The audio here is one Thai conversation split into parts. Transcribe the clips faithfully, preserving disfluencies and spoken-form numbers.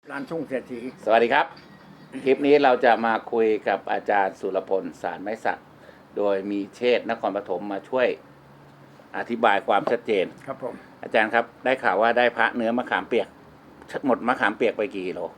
ร้านทุ่งเศรษฐีสวัสดีครับ คลิปนี้เราจะมาคุยกับอาจารย์สุรพลสารไม้สักโดยมีเชษฐ์นครปฐมมาช่วยอธิบายความชัดเจนครับผมอาจารย์ครับได้ข่าวว่าได้พระเนื้อมะขามเปียกหมดมะขามเปียกไปกี่กิโล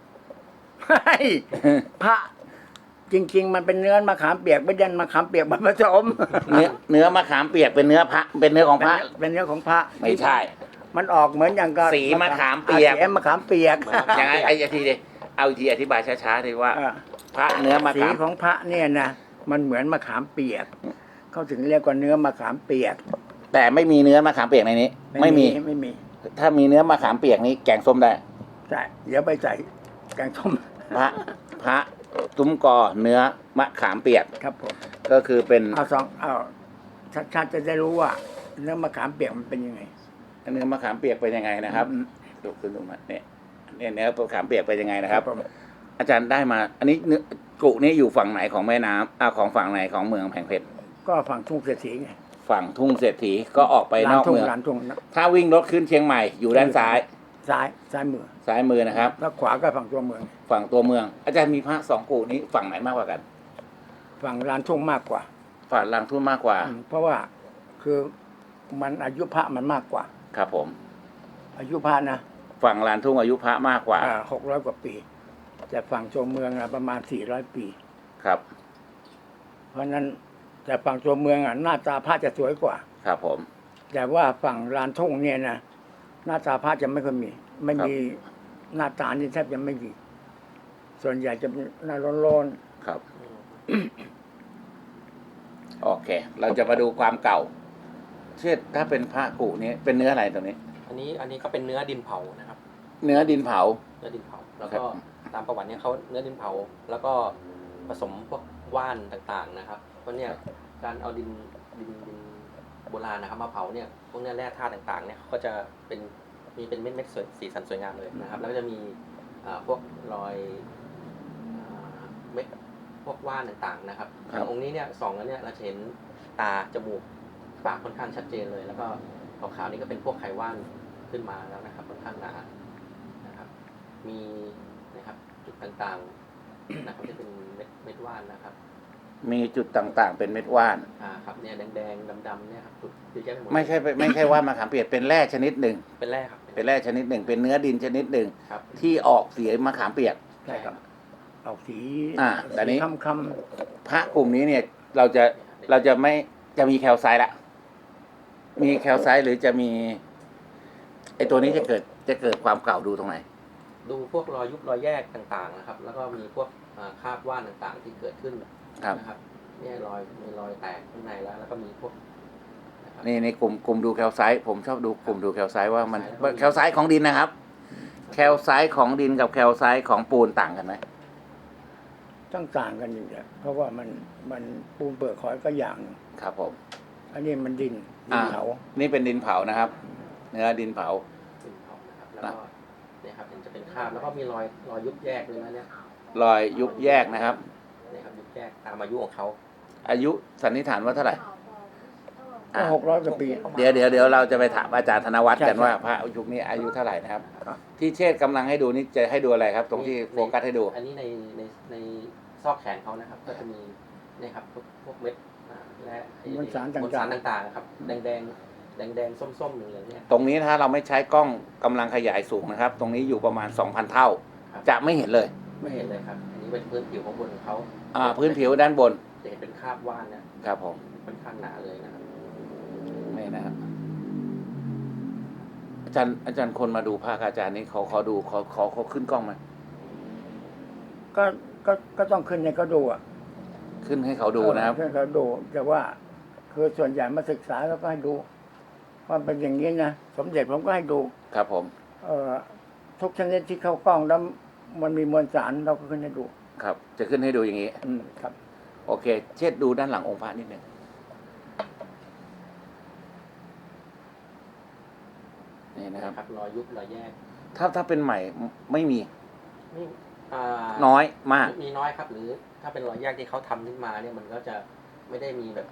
พระจริงๆมันเป็นเนื้อมะขามเปียกไม่ใช่มะขามเปียกมันผสมเนื้อเนื้อมะขามเปียกเป็นเนื้อพระเป็นเนื้อของพระเป็นเนื้อของพระไม่ใช่มันออกเหมือนอย่างกับสีมะขามเปียกสีมะขามเปียกอย่างไงไอ้ทีเดียวเอาอีกทีอธิบายช้าๆเลยว่าอ่าพระเนื้อมะสีขามของพระเนี่ยนะมันเหมือนมะขามเปียกเขาถึงเรียกว่าเนื้อมะขามเปียกแต่ไม่มีเนื้อมะขามเปียกในนี้ ไม่มีไม่มีถ้ามีเนื้อมะขามเปียกนี้แกงส้มได้ใช่เดี๋ยวไปใส่แกงส้มพระพระตุ้มกอเนื้อมะขามเปียกครับผมก็คือเป็นเอาสองเอาชัดๆจะได้รู้ว่า เนื้อมะขามเปียกมันเป็นยังไงเนื้อมะขามเปียกเป็นยังไงนะครับดูขึ้นตรงนั้นเนี่ยเนี่ยเนื้อมะขามเปียกเป็นยังไงนะครับผมอาจารย์ได้มา อันนี้เนื้อกุนี้อยู่ฝั่งไหนของแม่น้ำอ่าของฝั่งไหนของเมืองแผงเพชรก็ฝั่งทุ่งเศรษฐีไงฝั่งทุ่งเศรษฐีก็ออกไปนอกเมืองร้านทุ่งร้านทุ่งถ้าวิ่งรถขึ้นเชียงใหม่อยู่ด้านซ้ายซ้ายซ้ายมือซ้ายมือนะครับแล้วขวาก็ฝั่งตัวเมืองฝั่งตัวเมือง อาจารย์มีพระสองกุนี้ฝั่งไหนมากกว่ากันฝั่งร้านทุ่งมากกว่าฝั่งลางทุ่งมากกว่าอืมเพราะว่าคือมันอายุพระมันมากกว่าครับผมอายุพระนะฝั่งลานทุ่งอายุพระมากกว่าหกร้อยกว่าปี แต่ฝั่งตัวเมืองอะประมาณสี่ร้อยปีครับเพราะฉะนั้นแต่ฝั่งตัวเมืองอะหน้าตาพระจะสวยกว่าครับผมแต่ว่าฝั่งลานทุ่งเนี่ยนะหน้าตาพระจะไม่ค่อยมี ไม่มีหน้าตานี่แทบจะไม่มีส่วนใหญ่จะเป็นหน้าร้อนครับ โอเค เราจะมาดูความเก่า เช่นถ้าเป็นพระกุนี้เป็นเนื้ออะไรตรงนี้อันนี้อันนี้ก็เป็นเนื้อดินเผานะครับเนื้อดินเผาเนื้อดินเผา แล้วครัก็บตามประวัติเนี่ยเขาเนื้อดินเผา แล้วก็ผสมพวกว่านต่างๆนะครับ เพราะเนี่ยการเอาดินดินดินโบราณนะครับมาเผาเนี่ยพวกเนี้ยแร่ธาตุต่างๆเนี่ยเขาก็จะเป็นมีเป็นเม็ดเม็ดๆสวยสีสันสวยงามเลยนะครับ แล้วก็จะมีอ่าพวกรอยอ่าเม็ดพวกว่านต่างๆนะครับครับองค์นี้เนี่ยส่องแล้วเนี่ยเราจะเห็นตาจมูกปากค่อนข้างชัดเจนเลย แล้วก็ขาวๆนี่ก็เป็นพวกไขว่านขึ้นมาแล้วนะครับค่อนข้างหนานะครับ มีนะครับจุดต่างๆนะครับจะเป็นเม็ดเม็ดว่านนะครับมีจุดต่างๆ เป็นเม็ดว่านอ่าครับเนี่ยแดงๆดำๆเนี่ยครับจุดเยอะแยะไปหมดไม่ใช่ไม่ใช่ว่านมะขามเปียกเป็นแร่ชนิดหนึ่งเป็นแร่ครับเป็นแร่ชนิดหนึ่ง เป็นเนื้อดินชนิดหนึ่งครับที่ออกสีมะขามเปียกๆใช่ครับออกสีอ่าแต่นี้คำคพระกลุ่มนี้เนี่ย เราจะเราจะไม่จะมีแคลไซต์ละมีแคลไซต์หรือจะมีไอตัวนี้จะเกิดจะเกิดความเก่าดูตรงไหนดูพวกรอยยุบรอยแยกต่างๆนะครับ แล้วก็มีพวกอ่าคราบว่านต่างๆ ที่เกิดขึ้นครับนะครับเนี่ยรอยมีรอยแตกข้างในแล้ว แล้วก็มีพวกนะครับนี่ในกลุ่มกลุ่มดูแคลไซต์ผมชอบดูกลุ่มดูแคลไซต์ว่ามันแคลไซต์แคลไซต์ของดินนะครับ แคลไซต์ของดินกับแคลไซต์ของปูนต่างกันไหมำต้องต่างกันอยู่แล้วเพราะว่ามันมันปูนเปลือกหอยก็อย่างหนึ่งครับผมอันนี้มันดินดิอ่านเขานี่เป็นดินเผานะครับ เนื้อดินเผาดินเผานะครับ แล้วก็เนี่ยครับเห็นจะเป็นคราบ แล้วก็มีรอยรอยยุบแยกด้วยนะเนี่ยรอยยุบแยกนะครับเนี่ยครับยุบแยกตามอายุของเขาอายุสันนิษฐานว่าเท่าไหร่ก็อ่ะหกร้อยกว่าปีเดี๋ยวเดี๋ยวเดี๋ยวเราจะไปถามอาจารย์ธนวัฒน์กันใช่ว่าพระยุคนี้อายุเท่าไหร่นะครับครับที่เชษฐ์กำลังให้ดูนี่จะให้ดูอะไรครับ ตรงที่โฟกัสให้ดูอันนี้ในในในซอกแขนเขานะครับ ก็จะมีเนี่ยครับพวกพวกเม็ดอ่าและไอ้มวลสารต่างๆมวลสารต่างๆครับแดงแดงแดงแดงๆส้มๆเหลืองๆเนี่ยตรงนี้ถ้าเราไม่ใช้กล้องกำลังขยายสูงนะครับ ตรงนี้อยู่ประมาณ สองพัน เท่าครับจะไม่เห็นเลยไม่เห็นเลยครับ อันนี้เป็นพื้นผิวของบนของเขาอ่า พื้นผิวด้านบนจะเห็นเป็นคราบว่านเนี่ยครับผมค่อนข้างหนาเลยนะครับนี่นะครับ อาจารย์อาจารย์คนมาดูภาคอาจารย์นี่เขาเขาดูเขาเขาเขาขึ้นกล้องไหมก็ก็ก็ต้องขึ้นให้เขาดูอ่ะขึ้นให้เขาดูนะครับเออขึ้นให้เขาดูแต่ว่าคือส่วนใหญ่มาศึกษาแล้วก็ให้ดูว่าเป็นอย่างนี้นะสมเด็จผมก็ให้ดูครับผมเอ่อทุกชนิดที่เข้ากล้องแล้วมันมีมวลสารเราก็ขึ้นให้ดูครับ จะขึ้นให้ดูอย่างนี้อืมครับโอเค เช็ดดูด้านหลังองค์พระนิดหนึ่งนี่นะครับครับรอยยุบรอยแยกถ้าถ้าเป็นใหม่ไม่มีนี่อ่าน้อยมากมีน้อยครับ หรือถ้าเป็นรอยแยกที่เขาทำขึ้นมาเนี่ยมันก็จะไม่ได้มีแบบ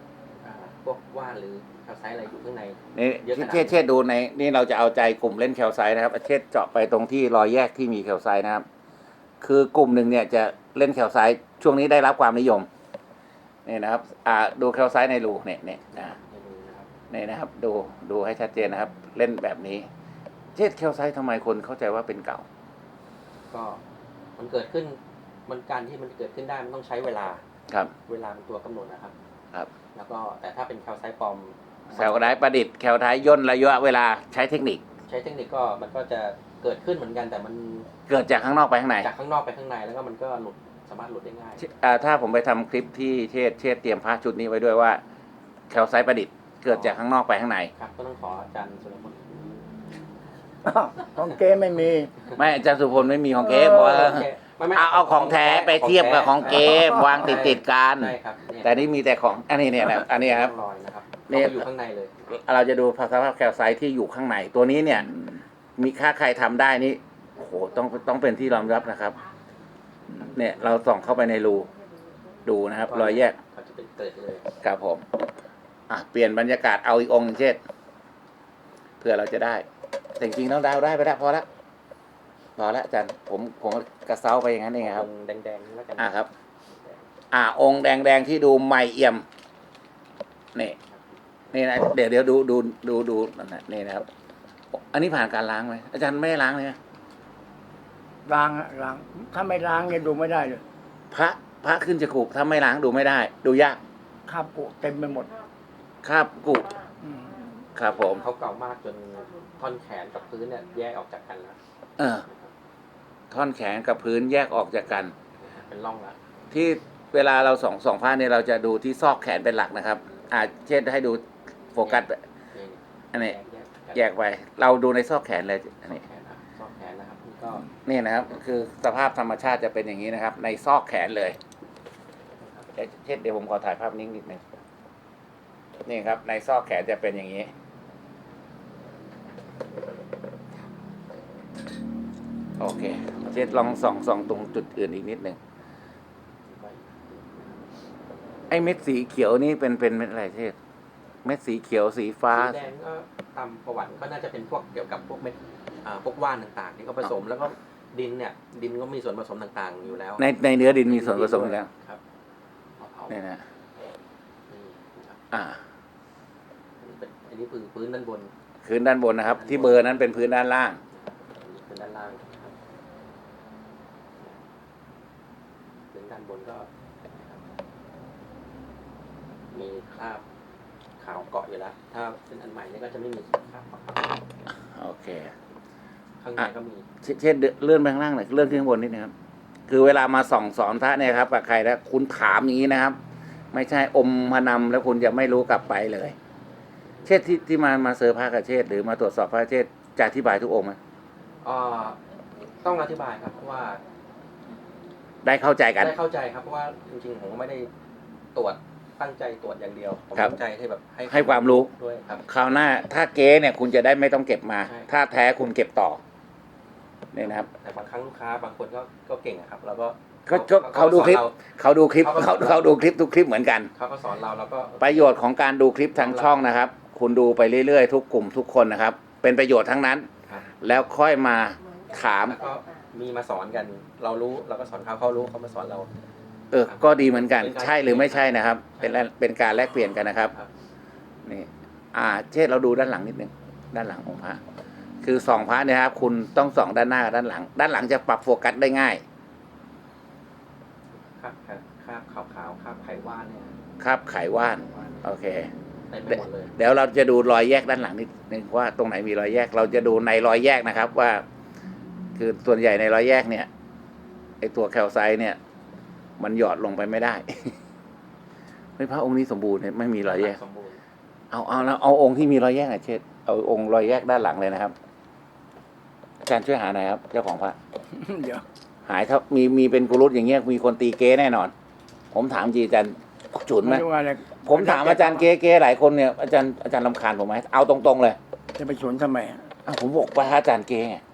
อ่าพวกว่านหรือแคลไซต์อะไรอยู่ข้างในนี่เยอะขนาดเชษเชษดูในนี่เราจะเอาใจกลุ่มเล่นแคลไซต์นะครับเชษเจาะไปตรงที่รอยแยกที่มีแคลไซต์นะครับ คือกลุ่มหนึ่งเนี่ยจะเล่นแคลไซต์ช่วงนี้ได้รับความนิยมนี่นะครับ อ่าดูแคลไซต์ในรูเนี่ยเนี่ยอ่าในมือนะครับนี่นะครับ ดูดูให้ชัดเจนนะครับ เล่นแบบนี้เชษแคลไซต์ทำไมคนเข้าใจว่าเป็นเก่าก็มันเกิดขึ้นมันการที่มันเกิดขึ้นได้มันต้องใช้เวลาครับเวลาเป็นตัวกำหนดนะครับครับแล้วก็แต่ถ้าเป็นแคลไซต์ปลอมแคลไซต์ประดิษฐ์แคลไซต์ย่นระยะเวลาใช้เทคนิคใช้เทคนิคก็มันก็จะเกิดขึ้นเหมือนกันแต่มันเกิดจากข้างนอกไปข้างในจากข้างนอกไปข้างในแล้วก็มันก็หลุดสามารถหลุดได้ง่ายอ่าถ้าผมไปทำคลิปที่เชษเชษเตรียมพระชุดนี้ไว้ด้วยว่าแคลไซต์ประดิษฐ์เกิดจากข้างนอกไปข้างในครับก็ต้องขออาจารย์สุรพลอ้าวของเก๊ไม่มีไม่อาจารย์สุพลไม่มีของเก๊เพราะว่าไม่ไม่เอาเอาของแท้ไปเทียบกับของเก๊วางติดติดๆกันใช่ครับเนี่ยแต่นี่มีแต่ของอันนี้เนี่ยนะอันนี้ครับรอยนะครับนี่นี่อยู่ข้างในเลยเราจะดูสภาพแคลไซต์ที่อยู่ข้างในตัวนี้เนี่ย มีค่าใครทำได้นี่โอ้โหต้องต้องเป็นที่ยอมรับนะครับ เนี่ยเราส่องเข้าไปในรูดูนะครับ รอยแยกเขาจะเป็นเกิดเลยครับผม อ่ะเปลี่ยนบรรยากาศเอาอีกองค์หนึ่งเช่นเพื่อเราจะได้แต่จริงๆต้องดาวได้ไปแล้วพอละพอละอาจารย์ผมผมกระเซ้าไปอย่างนั้นเองครับแดงๆแล้วกันอ่ะครับ อ่าองค์แดงๆที่ดูใหม่เอี่ยมนี่นี่นะเดี๋ยวเดี๋ยวดูดูดูดูนั่นนะนี่นะครับ อันนี้ผ่านการล้างไหมอาจารย์ไม่ได้ล้างเลยนะล้างอะล้าง ถ้าไม่ล้างเนี่ยดูไม่ได้เลยพระพระขึ้นจะขูบถ้าไม่ล้างดูไม่ได้ ดูยากคราบกุเต็มไปหมดคราบกุอืมครับผมเขาเก่ามากจนท่อนแขนกับพื้นเนี่ยแยกออกจากกันแล้วเออ ท่อนแขนกับพื้นแยกออกจากกันเป็นร่องแล้วที่เวลาเราส่องส่องผ้าเนี่ยเราจะดูที่ซอกแขนเป็นหลักนะครับ อาเช่นให้ดูโฟกัสนี่อันนี้แยกแยกไป เราดูในซอกแขนเลยอันซอนี้กแขนนะซอกแขนนะครับนี่ก็นี่นะครับ คือสภาพธรรมชาติจะเป็นอย่างนี้นะครับ ในซอกแขนเลยเดี๋ยวเช่นเดี๋ยวผมขอถ่ายภาพนิ่งนิดนึงนี่ครับ ในซอกแขนจะเป็นอย่างนี้ โอเคเช่นลองส่องส่องตรงจุดอื่นอีกนิดนึงไอ้เม็ดสีเขียวนี่เป็นเป็นเม็ดอะไรเช่นเม็ดสีเขียวสีฟ้าสีแดงก็ตามประวัติก็น่าจะเป็นพวกเกี่ยวกับพวกเม็ดอ่าพวกว่านต่างๆที่เขาผสมแล้วก็ดินเนี่ย ดินก็มีส่วนผสมต่างๆอยู่แล้วในในเนื้อดินมีส่วนผสมอยู่แล้วครับเอาเผานี่นะนี่นะครับอ่าอันนี้เป็นอันนี้คือพื้นด้านบนพื้นด้านบนนะครับ ที่เบอร์นั้นเป็นพื้นด้านล่างอันนี้พื้นด้านล่างนะครับพื้นด้านบนก็นะครับมีคราบขาวเกาะอยู่แล้ว ถ้าเป็นอันใหม่เนี่ยก็จะไม่มีคราบขาวโอเคข้างในก็มีเชเช่นเลื่อนไปข้างล่างหน่อยเลื่อนขึ้นข้างบนนิดนึงครับ คือเวลามาส่องสอนพระเนี่ยครับกับใครแล้วคุณถามอย่างนี้นะครับ ไม่ใช่อมมานำแล้วคุณจะไม่รู้กลับไปเลย เชษที่ที่มามาเซอร์พระกับเชษหรือมาตรวจสอบพระเชษจะอธิบายทุกองค์ไหมเอ่อต้องอธิบายครับเพราะว่าได้เข้าใจกันได้เข้าใจครับเพราะว่าจริงๆผมก็ไม่ได้ตรวจตั้งใจตรวจอย่างเดียวผมครับตั้งใจให้แบบให้ความรู้ด้วยครับคราวหน้าถ้าเก๊เนี่ยคุณจะได้ไม่ต้องเก็บมาใช่ถ้าแท้คุณเก็บต่อนี่นะครับแต่บางครั้งลูกค้าบางคนก็ก็เก่งอะครับแล้วก็เขาเขาเขาดูคลิปสอนเขาดูคลิปเขาก็เขาเขาดูคลิปทุกคลิปเหมือนกันเขาก็สอนเราแล้วก็ประโยชน์ของการดูคลิปทางช่องนะครับ คุณดูไปเรื่อยๆทุกกลุ่มทุกคนนะครับ เป็นประโยชน์ทั้งนั้นครับแล้วค่อยมาถามแล้วก็มีมาสอนกัน เรารู้เราก็สอนเขาเขารู้เขามาสอนเราเออ ก็ดีเหมือนกันเป็นการใช่หรือไม่ใช่นะครับ เป็นแลเป็นการแลกเปลี่ยนกันนะครับครับนี่ อ่า เช่นเราดูด้านหลังนิดนึง ด้านหลังของพระ คือส่องพระเนี่ยครับ คุณต้องส่องด้านหน้ากับด้านหลัง ด้านหลังจะปรับโฟกัสได้ง่ายคราบคราบขาวขาวๆคราบไขว่านเนี่ยครับไขว่านว่านโอเคเต็มไปหมดเลยเดี๋ยวเราจะดูรอยแยกด้านหลังนิดนึงว่าตรงไหนมีรอยแยก เราจะดูในรอยแยกนะครับ ว่า คือส่วนใหญ่ในรอยแยกเนี่ยไอตัวแคลไซต์เนี่ย มันหยอดลงไปไม่ได้ ไม่พระองค์นี้สมบูรณ์เนี่ยไม่มีรอยแยกสมบูรณ์เอาเอาแล้วเอาองค์ที่มีรอยแยกหน่อยเช่นเอาองค์รอยแยกด้านหลังเลยนะครับอาจารย์ช่วยหาหน่อยครับเจ้าของพระเดี๋ยวหายถ้ามีมีเป็นกุรุตอย่างเงี้ยมีคนตีเก้แน่นอน ผมถามจริงอาจารย์ฉุนไหมไม่รู้ว่าอะไรผมถามอาจารย์เก้เก้หลายคนเนี่ยอาจารย์อาจารย์รำคาญผมไหมเอาตรงๆเลยจะไปสวนทำไมอะอ้าวผมบอกว่าอาจารย์เก้ไง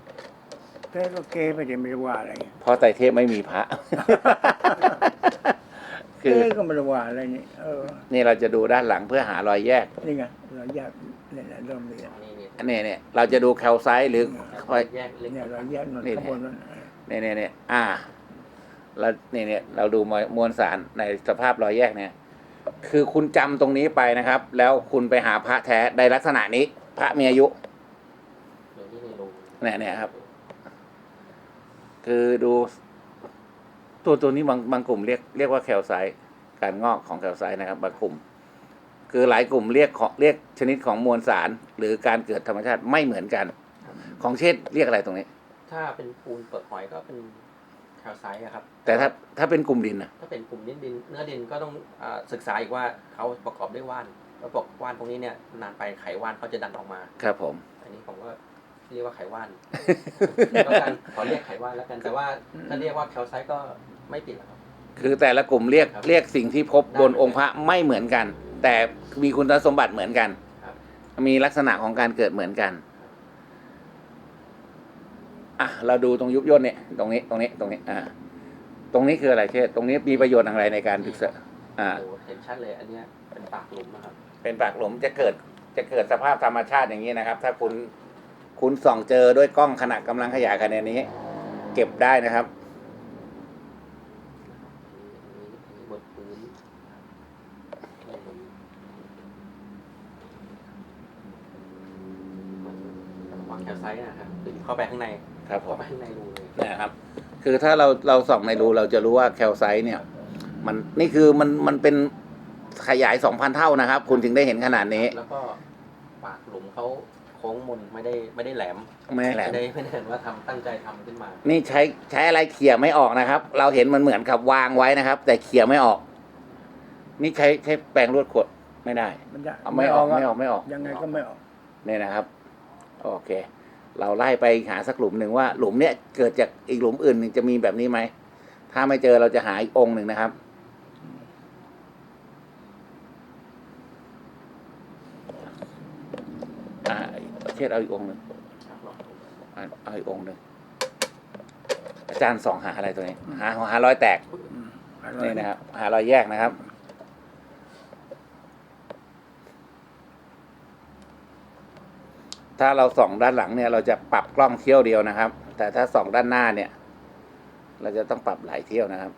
เก๊ก็เก๊ไปเดี๋ยวไม่รู้ว่าอะไรเพราะไตรเทพไม่มีพระคือเอ๊ะก็ไม่รู้ว่าอะไรนี่เออนี่เราจะดูด้านหลังเพื่อหารอยแยกนี่ไงเราแยกเนี่ยแหละเริ่มมีแล้วนี่นี่อันนี้เนี่ยเราจะดูแคลไซต์หรือคอยแยกเล็กเนี่ยเราแยกหน่อยนี่ข้างบนนั้นเนี่ยเนี่ยเนี่ยอ่าแล้วนี่เนี่ยเราดูมวลมวลสารในสภาพรอยแยกเนี่ย คือคุณจำตรงนี้ไปนะครับ แล้วคุณไปหาพระแท้ในลักษณะนี้ พระมีอายุเดี๋ยวนี่ในรูเนี่ยเนี่ยครับ คือดู ตัวตัวนี้บางบางกลุ่มเรียกเรียกว่าแคลไซต์การงอกของแคลไซต์นะครับ บางกลุ่ม คือหลายกลุ่มเรียกของเรียกชนิดของมวลสาร หรือการเกิดธรรมชาติไม่เหมือนกัน ของเชษฐ์เรียกอะไรตรงนี้ถ้าเป็นปูนเปลือกหอยก็เป็นแคลไซต์อะครับแต่ถ้าถ้าเป็นกลุ่มดินนะถ้าเป็นกลุ่มนิดดินเนื้อดินก็ต้องอาศึกษาอีกว่าเขาประกอบด้วยว่านแล้วบอกว่านพวกนี้เนี่ยนานไปไขว่านเขาจะดันออกมาครับผมอันนี้ผมก็เรียกว่าไขว่าน ก็กันขอเรียกไขว่านแล้วกัน แต่ว่าถ้าเรียกว่าแคลไซต์ก็ไม่ผิดหรอกครับคือแต่ละกลุ่มเรียกครับเรียกสิ่งที่พบบนองค์พระไม่เหมือนกัน แต่มีคุณสมบัติเหมือนกันครับมีลักษณะของการเกิดเหมือนกันอ่ะเราดูตรงยุบย่นเนี่ยตรงนี้ตรงนี้ตรงนี้อ่าตรงนี้คืออะไรเชษฐ์ตรงนี้มีประโยชน์อะไรในการศึกษาอ่าโอ้โหเห็นชัดเลยอันเนี้ยเป็นปากหลุมนะครับเป็นปากหลุมจะเกิดจะเกิดสภาพธรรมชาติอย่างนี้นะครับ ถ้าคุณคุณส่องเจอด้วยกล้องขณะกำลังขยายขนาดนี้ เก็บได้นะครับอันนี้บนพื้นวางแคลไซต์นะครับคือเข้าไปข้างในครับผเข้าม ไปข้างในรูเลยนะครับ คือถ้าเราเราส่องในรูเราจะรู้ว่าแคลไซต์เนี่ย มันนี่คือมันมันเป็นขยายสองพันเท่านะครับ คุณถึงได้เห็นขนาดนี้แล้วก็ปากหลุมเขาโค้งมนไม่ได้ไม่ได้แหลมไม่ได้แหลมไม่ได้ไม่ได้เห็นว่าทำตั้งใจทำขึ้นมานี่ใช้ใช้อะไรเขี่ยไม่ออกนะครับ เราเห็นมันเหมือนกับวางไว้นะครับ แต่เขี่ยไม่ออก นี่ใช้ใช้แปรงรวดขดไม่ได้มันจะเอาไม่ออกไม่ออกไม่ออกยังไงก็ไม่ออกเนี่ยนะครับ โอเค เราไล่ไปหาสักหลุมหนึ่งว่า หลุมเนี้ยเกิดจากอีกหลุมอื่นหนึ่งจะมีแบบนี้ไหม ถ้าไม่เจอเราจะหาอีกองค์หนึ่งนะครับ อ่าเชษเอาอีกองค์หนึ่งเอาเอาอีกองค์หนึ่งอาจารย์ส่องหาอะไรตัวนี้ หาหารอยแตกอืมอะไรนี่นะครับ หารอยแยกนะครับ ถ้าเราส่องด้านหลังเนี่ย เราจะปรับกล้องเที่ยวเดียวนะครับ แต่ถ้าส่องด้านหน้าเนี่ย เราจะต้องปรับหลายเที่ยวนะครับ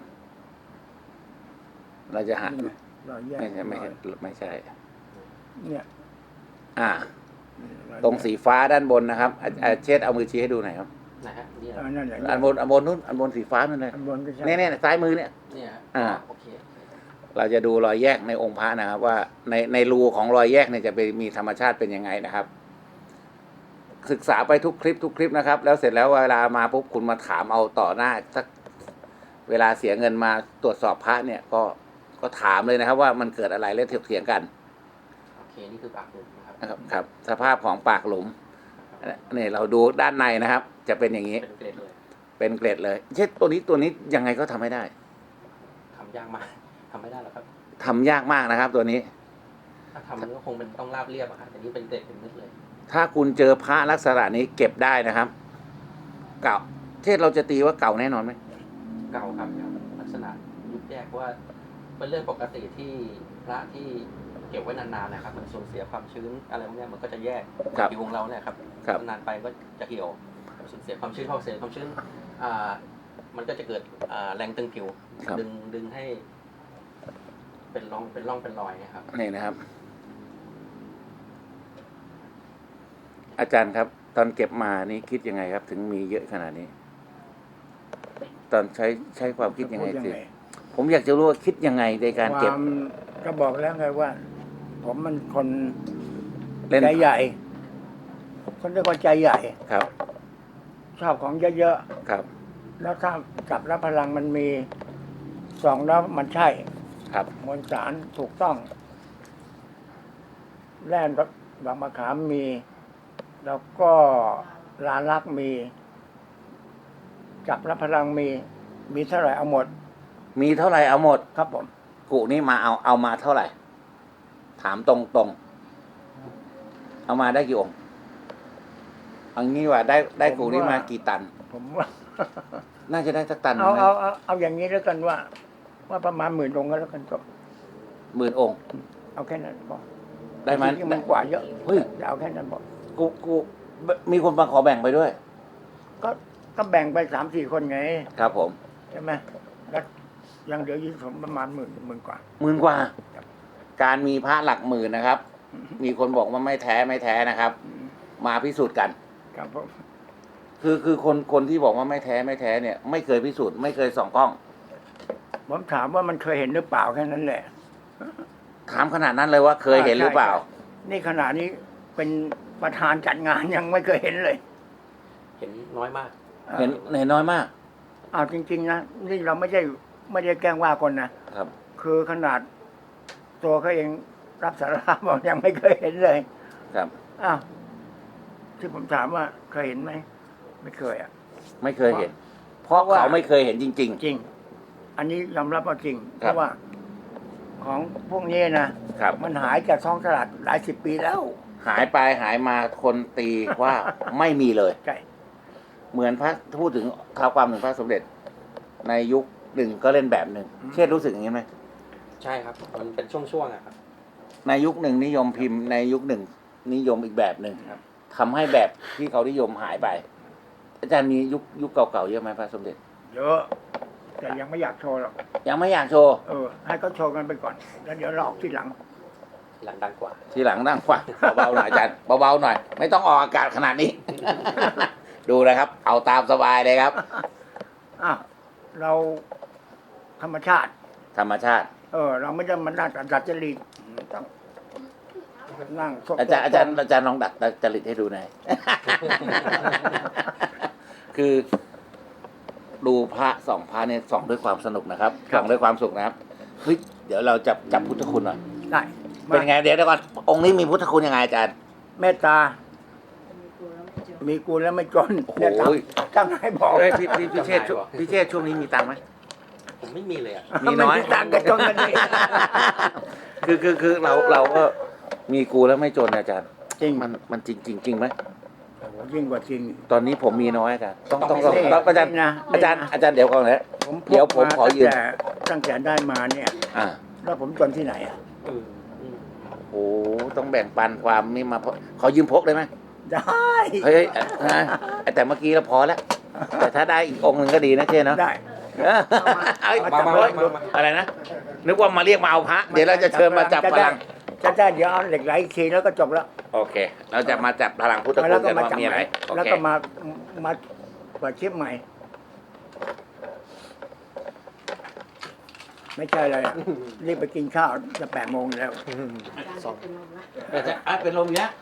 เราจะหานี่ไงรอยแยกไม่ใช่ไม่ใช่ไม่ใช่เนี่ยอ่าอยแยกตรงสีฟ้าด้านบนนะครับอาอาเชษเอามือชี้ให้ดูหน่อยครับนะฮะเนี่ยอ่านั่นแหละอันบนอันบนนู้นอันบนสีฟ้านั่นเลยอันบนก็ใช่เนี่ยเนี่ยซ้ายมือเนี่ยเนี่ยฮะอ่าโอเคเราจะดูรอยแยกในองค์พระนะครับ ว่าในในรูของรอยแยกเนี่ยจะไปมีธรรมชาติเป็นยังไงนะครับ ศึกษาไปทุกคลิปทุกคลิปนะครับ แล้วเสร็จแล้วเวลามาปุ๊บคุณมาถามเอาต่อหน้าสักเวลาเสียเงินมาตรวจสอบพระเนี่ย ก็ก็ถามเลยนะครับ ว่ามันเกิดอะไรแล้วเถียงกันโอเคนี่คือปากหลุมนะครับนะครับครับ สภาพของปากหลุมนี่เราดูด้านในนะครับ จะเป็นอย่างนี้เป็นเกรดเลยเป็นเกล็ดเลยเช่นตัวนี้ตัวนี้ยังไงก็ทำไม่ได้ทำยากมากทำไม่ได้หรอกครับทำยากมากนะครับ ตัวนี้ถ้าทำก็คงเป็นต้องราบเรียบอะครับแต่นี่เป็นเกรดเป็นเม็ดเลยถ้าคุณเจอพระลักษณะนี้เก็บได้นะครับ เก่าเช่นเราจะตีว่าเก่าแน่นอนไหมเก่าครับลักษณะยุบแยกว่าเป็นเรื่องปกติที่พระที่เก็บไว้นานๆนะครับมันสูญเสียความชื้นอะไรพวกเนี้ยมันก็จะแยกครับผิวของเราเนี่ยครับครับนานไปก็จะเหี่ยวสูญเสียความชื้นพอเสียความชื้นอ่ามันก็จะเกิดอ่าแรงตึงผิวครับดึงดึงให้ เป็นร่องเป็นร่องเป็นรอยนะครับนี่นะครับ อาจารย์ครับ ตอนเก็บมานี่คิดยังไงครับ ถึงมีเยอะขนาดนี้ ตอนใช้ใช้ความคิดยังไงพูสิผมอยากจะรู้ว่าคิดยังไงในการคเก็บวามก็บอกแล้วไงว่า ผมมันคนเล่นใจใหญ่ คนเรียกว่าใจใหญ่ครับชอบของเยอะครับๆแล้วถ้าจับรับพลังมันมีสองแล้วมันใช่ครับมวลสารถูกต้องแร่บางมะขามมี แล้วก็ลาลักษณ์มี จับรับพลังมี มีเท่าไหร่เอาหมดมีเท่าไหร่เอาหมดครับผมกุนี่มาเอาเอามาเท่าไหร่ ถามตรงตรงๆเอามาได้กี่องค์เอางี้ว่าได้ได้กุนี่มากี่ตันผมว่าน่าจะได้สักตันเอาไหมเอาเอาเอาอย่างนี้แล้วกันว่าว่าประมาณหมื่นองค์ก็แล้วกันจบหมื่นองค์เอาแค่นั้นพอได้ไหมจริงๆมันกว่าเยอะเฮ้ยจะเอาแค่นั้นพอกูกูมีคนมาขอแบ่งไปด้วยก็ก็แบ่งไปสามสี่คนไงครับผมใช่ไหมแล้วยังเหลืออยู่ผมประมาณหมื่นหมื่นกว่าหมื่นกว่า การมีพระหลักหมื่นนะครับ มีคนบอกว่าไม่แท้ไม่แท้นะครับ มาพิสูจน์กันครับผมคือคือคนคนที่บอกว่าไม่แท้ไม่แท้เนี่ย ไม่เคยพิสูจน์ไม่เคยส่องกล้องผมถามว่ามันเคยเห็นหรือเปล่าแค่นั้นแหละถามขนาดนั้นเลยว่าเคยเห็นหรือเปล่าใช่ใช่นี่ขณะนี้เป็นประธานจัดงานยังไม่เคยเห็นเลยเห็นน้อยมากเห็นเห็นน้อยมากอ้าวจริงๆนะนี่เราไม่ใช่ไม่ได้แกล้งว่าคนนะครับ คือขนาดตัวเขาเองรับสารภาพบอกยังไม่เคยเห็นเลยครับอ้าวที่ผมถามว่าเคยเห็นไหมไม่เคยอ่ะไม่เคยเห็น เพราะเพราะว่าเขาไม่เคยเห็นจริงจริง อันนี้ยอมรับว่าจริง เพครับราะว่า ของพวกนี้นะครับ มันหายจากท้องตลาดหลายสิบปีแล้วๆ หายไปหายมาคนตีว่าไม่มีเลยใช่เหมือนพระพูดถึงข่าวความถึงพระสมเด็จ ในยุคหนึ่งก็เล่นแบบหนึ่งเช่นรู้สึกอย่างนี้ไหมใช่ครับ มันเป็นช่วงๆอะครับในยุคหนึ่งนิยมพิมพ์ในยุคหนึ่งนิยมอีกแบบหนึ่งครับทำให้แบบที่เขานิยมหายไป อาจารย์มียุคยุคเก่าๆเยอะไหมพระสมเด็จเยอะแต่ยังไม่อยากโชว์หรอกยังไม่อยากโชว์เออ ให้เขาโชว์กันไปก่อน แล้วเดี๋ยวเราออกที่หลังหลังดังกว่าทีหลังนั่งขวาเบาๆหน่อยอาจารย์เบาๆหน่อย ไม่ต้องออกอากาศขนาดนี้ ดูนะครับ เอาตามสบายเลยครับอ่ะเราธรรมชาติธรรมชาติเออ เราไม่ได้มานั่งดัดจริตต้องนั่งอาจารย์อาจารย์อาจารย์ลองดัดจริตให้ดูหน่อย คือดูพระสองพระเนี่ยส่องด้วยความสนุกนะครับส่องด้วยความสุขนะครับเฮ้ยเดี๋ยวเราจับจับพุทธคุณหน่อยได้เป็นไงเดี๋ยวเดี๋ยวก่อนองค์นี้มีพุทธคุณยังไงอาจารย์เมตตา มีกูแล้วไม่จนโอ้โหเนี่ยจำจำให้บอกเฮ้ยพี่พี่พี่เชษฐ์ช่วงพี่เชษฐ์ช่วงนี้มีตังค์ไหมผมไม่มีเลยอะมีน้อยไตังค์กันจนกันเองคือคือคือเราเราก็มีกูแล้วไม่จนอาจารย์จริงมันมันจริงจริงจริงไหมโอ้โหยิ่งกว่าจริงตอนนี้ผมมีน้อยอาจารย์ต้องต้องต้ต้ออง งให้อาจารย์นี่นะอาจารย์นี่นะอาจารย์เดี๋ยวก่อนนะผมพกเดี๋ยวผมขอยืมาตั้งแต่ตั้งแต่ได้มาเนี่ยอ่าแล้วผมจนที่ไหนอ่ะเอออืมโอ้ต้องแบ่งปันความนี่มาพกขอยืมพกได้ไหมได้เฮ้ยเอ้ยเอ้ยแต่เมื่อกี้เราพอแล้ว แต่ถ้าได้อีกองค์หนึ่งก็ดีนะเช่เนาะได้เออเอ้ยมามามามามาอะไรนะ นึกว่ามาเรียกมาเอาพระ เดี๋ยวเราจะเชิญมาจับพลังจะได้เดี๋ยวเอาเหล็กไหลอีกทีแล้วก็จบแล้วโอเค เราจะมาจับพลังพุทธคุแล้ณวก็กันมาว่าจับมีใหอะไรม่โอแล้วเคก็มามาเปิดคลิปใหม่ ไม่ใช่เลยอะรีบไปกินข้าวจะแปดโมงแล้วสองแต่จะอ่ะเป็นลมเนี้ย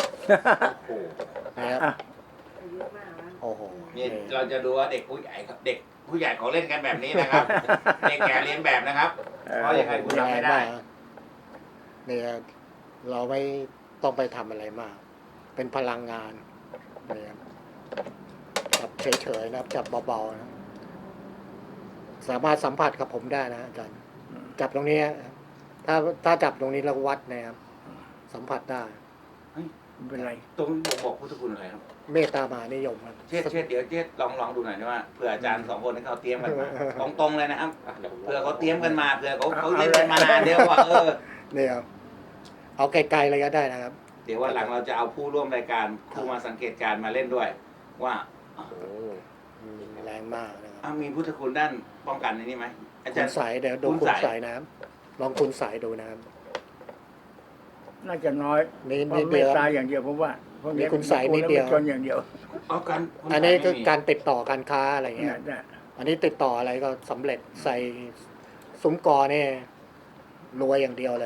นะครับอ่ะโอ้โหนี่เราจะดูว่าเด็กผู้ใหญ่ครับเด็กผู้ใหญ่เขาเล่นกันแบบนี้นะครับ เด็กแก่เรียนแบบนะครับ เพราะยังไงคุณทำไม่ได้เนี่ยเราไม่ต้องไปทำอะไรมาก เป็นพลังงานเนี่ยจับเฉยๆนะครับจับเบาๆนะสามารถสัมผัสกับผมได้นะอาจารย์จับตรงนี้นะครับถ้าถ้าจับตรงนี้แล้ววัดนะครับ สัมผัสได้ไม่เป็นไรตรงบอกบอกพุทธคุณอะไรครับเมตตามหานิยมครับเช็ดเช็ดเดี๋ยวเช็ดลองลองดูหน่อยนะว่าเผื่ออาจารย์สองคนที่เขาเตรียมกันมาตรงๆเลยนะครับอ่ะเดี๋ยวผมเผื่อเขาเตรียมกันมาเผื่อเขาเขาเอาเล่นกันมานานเดี๋ยวว่าเออเนี่ยครับเอาไกลๆเลยก็ได้นะครับเดี๋ยววันหลังเราจะเอาผู้ร่วมรายการผู้มาสังเกตการณ์มาเล่นด้วย ว่าโอ้โหอืมแรงมากนะครับอ้าวมีพุทธคุณด้านป้องกันในนี้ไหมอาจาคุรณย์สายเดี๋ยวดูคุณคุณสายสายนะครับ ลองคุณสายดูนะครับน่าจะน้อยนี่เพราะนิดเมเดีตยวตาอย่างเดียวผมว่าพวกมีคุณใส่นิดเดียวจนอย่างเดียวเอากันคุณอันนี้สายคือไม่มีการติดต่อการค้าอะไรเนี่เงี้ยยเนี่ยอันนี้ติดต่ออะไรก็สำเร็จใส่ซุ้มกอนี่รวยอย่างเดียวเลย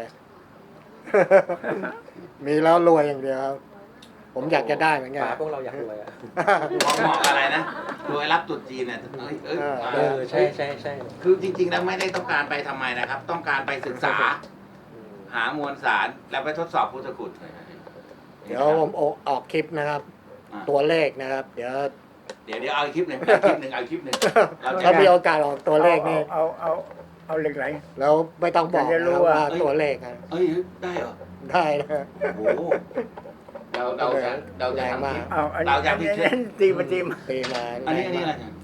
มีแล้วรวยอย่างเดียวครับผมอยากจะได้เหมือนกันป๋าพวกเราอยากรวยอะเหมาะเหมาะอะไรนะรวยรับตรุษจีนเนี่ยเอ้ยเอ้ยเออเออใช่ใช่ใช่คือจริงๆแล้วไม่ได้ต้องการไปทำไมนะครับ ต้องการไปศึกษาอืมหามวลสารแล้วไปทดสอบพุทธคุณเดี๋ยวผมออกออกคลิปนะครับอ่ะตัวเลขนะครับ เดี๋ยวเดี๋ยวเดี๋ยวเอาอีกคลิปหนึ่งเอาคลิปหนึ่งเอาคลิปหนึ่งเราจะถ้ามีโอกาสออกตัวเลขนี่เอาเอาเอาเอาเหล็กไหลแล้วไม่ต้องบอกอยากจะรู้นะครับว่าว่าตัวเลขนะเอ้ยได้เหรอได้นะโอ้โหเราเราจะเราจะแรงทำมาคลิกปเอาอันเรานี้จะอันพินี้เศษตีมาตีมาตีมาอันนี้อันนี้แรอะไรงมากเนี่ย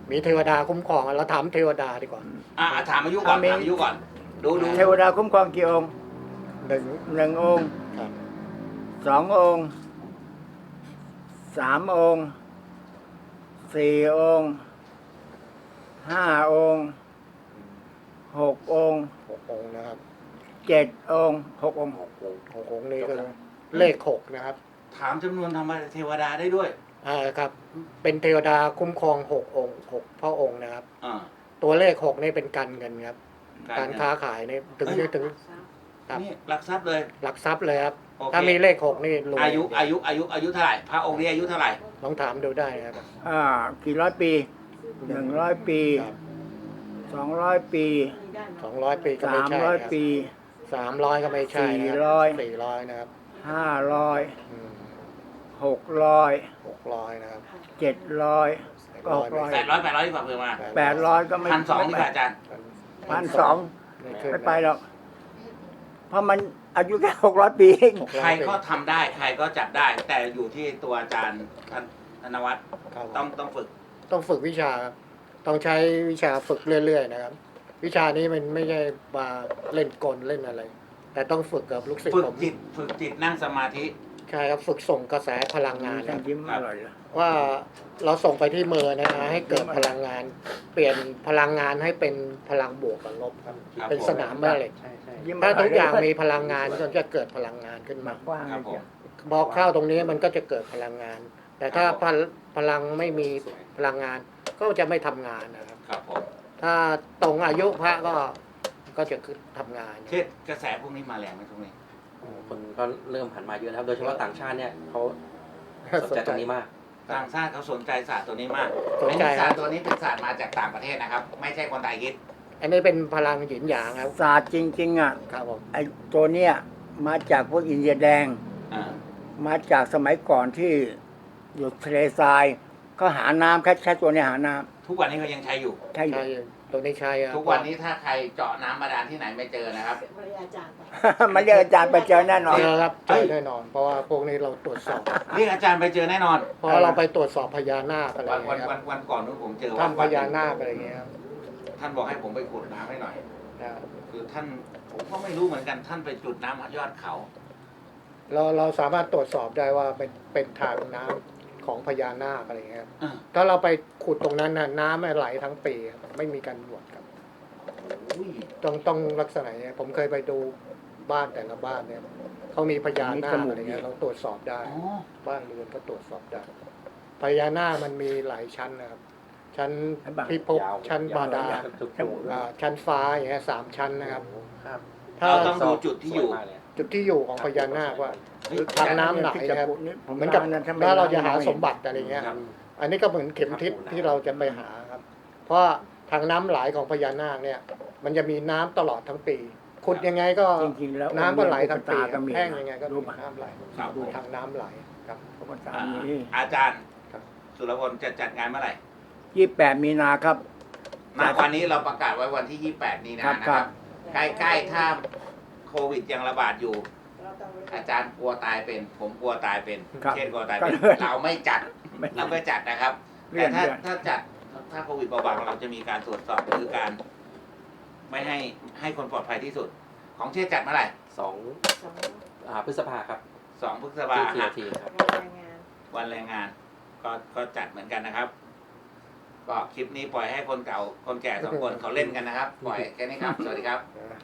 มีเทวดาคุ้มครองเราถามเทวดาดีกว่าอ่ะถามอายุก่อนมีถามอายุก่อน ดูดูเทวดาคุ้มครองกี่องค์หนึ่งหนึ่งองค์ครับสององค์สามองค์สี่องค์ห้าองค์หกองค์หกองค์นะครับเจ็ดองค์หกองค์หกองค์หกองค์นี้ก็เลขหกนะครับถามจำนวนธรรมเทวดาได้ด้วยอ่าครับ เป็นเทวดาคุ้มครองหกองค์หกพระองค์นะครับอ่าตัวเลขหกนี่เป็นการเงินครับกาการ รเงินค้าขายนี่ถึงเอ้ยถึง ครับนี่หลักทรัพย์เลยหลักทรัพย์เลยครับโอเคถ้ามีเลขหกนี่รวยอายุอายุอายุอายุเท่าไหร่พระองค์นี้อายุเท่าไหร่ลองถามดูได้นะครับอ่ากี่ร้อยปีหนึ่งร้อยปีครับสองร้อยปีสองร้อยปีก็ไม่สามใช่ร้อยครับปีสามร้อยก็ไม่ใช่นะคสี่บร้อยสี่ร้อยนะครับห้าร้อยอืมหกร้อยหกร้อยนะครับเจ็ดร้อยก็หกร้อยแปดร้อยแปดร้อยดีกว่าเพิ่มมาแปดร้อยก็ไม่พันสองดีกว่าอาจารย์พันสองไม่ขึ้นไม่ไปหรอกเพราะมันอายุแค่หกร้อยปีเองหกร้อยใครก็ทำได้ ใครก็จัดได้ แต่อยู่ที่ตัวอาจารย์ท่านธนวัฒน์ครับต้องต้องฝึกต้องฝึกวิชาครับต้องใช้วิชาฝึกเรื่อยๆนะครับ วิชานี้มันไม่ใช่มาเล่นกลเล่นอะไร แต่ต้องฝึกกับลูกศิษฝึย์กผมจิต ฝึกจิตนั่งสมาธิใช่ครับฝึกส่งกระแสพลังงานคฉัรันบยิ้มอร่อยเลยว่าเราส่งไปที่มือนะฮะให้เกิดพลังงาน เปลี่ยนพลังงานให้เป็นพลังบวกกับลบครับครับเป็นสนามแม่เหล็กใช่ใช่ยิ้มถ้าร่ทุกอย่างเลมีพลังงานก็จะเกิดพลังงานขึ้นหมามากกว้างครับเลยผมจ้ะบอกเข้าตรงนี้มันก็จะเกิดพลังงาน แต่ถ้าพลพลังไม่มีพลังงาน ก็จะไม่ทำงานนะครับครับผมถ้าตรงอายุพระก็ก็จะคือทำงานเช่นกระแสพวกนี้มาแรงไหมตรงนี้คนก็เริ่มหันมาเยอะนะครับ โดยเฉพาะต่างชาติเนี่ยเขาสนใจตรงนี้มากต่างชาติเขาสนใจศาสตร์ตัวนี้มากสนใจไอ้คศารัสตบร์ตัวนี้เป็นศาสตร์มาจากต่างประเทศนะครับ ไม่ใช่คนไทยคิดอันนี้เป็นพลังหยินหยางครับศาสตร์จริง ๆ อ่ะครับผมไอ้ตัวเนี้ยมาจากพวกอินเดียแดงอ่ามาจากสมัยก่อนที่อยู่ทะเลทรายก็หาน้ำแค่แค่ตัวเนี้ยหาน้ทุกวันนี้เขายังใช้อยู่ำใช่อยู่ใช่ตัวนี้ใช่ครับทุกวันนี้ถ้าใครเจาะน้ำบาดาลที่ไหนไม่เจอนะครับมันเรียกอาจารย์ไปเจอแน่นอนเจอครับเจอแน่นอน เพราะว่าพวกนี้เราตรวจสอบเรียกอาจารย์ไปเจอแน่นอนเพราะเราไปตรวจสอบพญานาคอะไรอวันย่างวันเงี้ยควัรับนวันก่อนนู้นผมเจอถ้ำพวัดญานาคอะไรอย่างเงี้ยครับท่านบอกให้ผมไปขุดน้ำให้หน่อยนะครับคือท่านผมก็ไม่รู้เหมือนกันท่านไปจุดน้ำยอดเขาเราเราสามารถตรวจสอบได้ว่าเป็นเป็นทางน้ำของพญานาคอะไรอย่างเงี้ยครับอ่าถ้าเราไปขุดตรงนั้นน่ะน้ำมันไหลทั้งปีครับไม่มีการหวดครับอุ้ยต้องต้องลักษณะเนี้ยผมเคยไปดูบ้านแต่ละบ้านเนี่ยเขามีพญานาคอะไรเงี้ยเราตรวจสอบได้อ๋อบ้านเรือนก็ตรวจสอบได้พญานาคมันมีหลายชั้นนะครับ ชั้นพิภพยาวชั้นบาดาลทุกอ่าชั้นฟ้าอย่างเงี้ยสามชั้นนะครับครับถ้าเราต้องดูจุดที่อยู่สวมากเลจุดที่อยู่ของพญานาคว่าเฮ้ยทางน้ำไหลนะครับผมเหมือนกับนั้นทำไมถ้าเราจะหาน้ำไม่สมบัติอะไรเงี้ยครับอันนี้ก็เหมือนเข็มทิศที่เราจะไปหาครับ เพราะทางน้ำไหลของพญานาคเนี่ย มันจะมีน้ำตลอดทั้งปี ขุดยังไงก็จริงๆแล้วน้ำก็ไหลทั้งปีก็มีแห้งยังไงก็รู้มีป่ะน้ำไหลครับดูทางน้ำไหลครับพระพุทธอ่ามีอาจารย์ครับสุรพลจะจัดงานเมื่อไหร่ยี่สิบแปดมีนาครับณวันนี้เราประกาศไว้วันที่ยี่สิบแปดนี้นะครันะบคครัรับบใกล้ๆถ้าโควิดยังระบาดอยู่ อาจารย์กลัวตายเป็น ผมกลัวตายเป็นครับเช่นกลัวตายเป็นก็เลยเราไม่จัดไม่เราไม่จัดนะครับเลื่แต่อนถ้าเลื่อนถ้าจัดถ้าโควิดเบาบางเราจะมีการตรวจสอบคือการ ไม่ให้ให้คนปลอดภัยที่สุด ของเช่จัดเมื่อไหร่สองอ่าพฤษภาครับสองพฤษภาที่คทีมครับวันแรงงาน ก็ก็จัดเหมือนกันนะครับ ก็คลิปนี้ปล่อยให้คนเก่าคนแก่สองคนเขาเล่นกันนะครับ ปล่อยแค่นี้ครับ สวัสดีครับ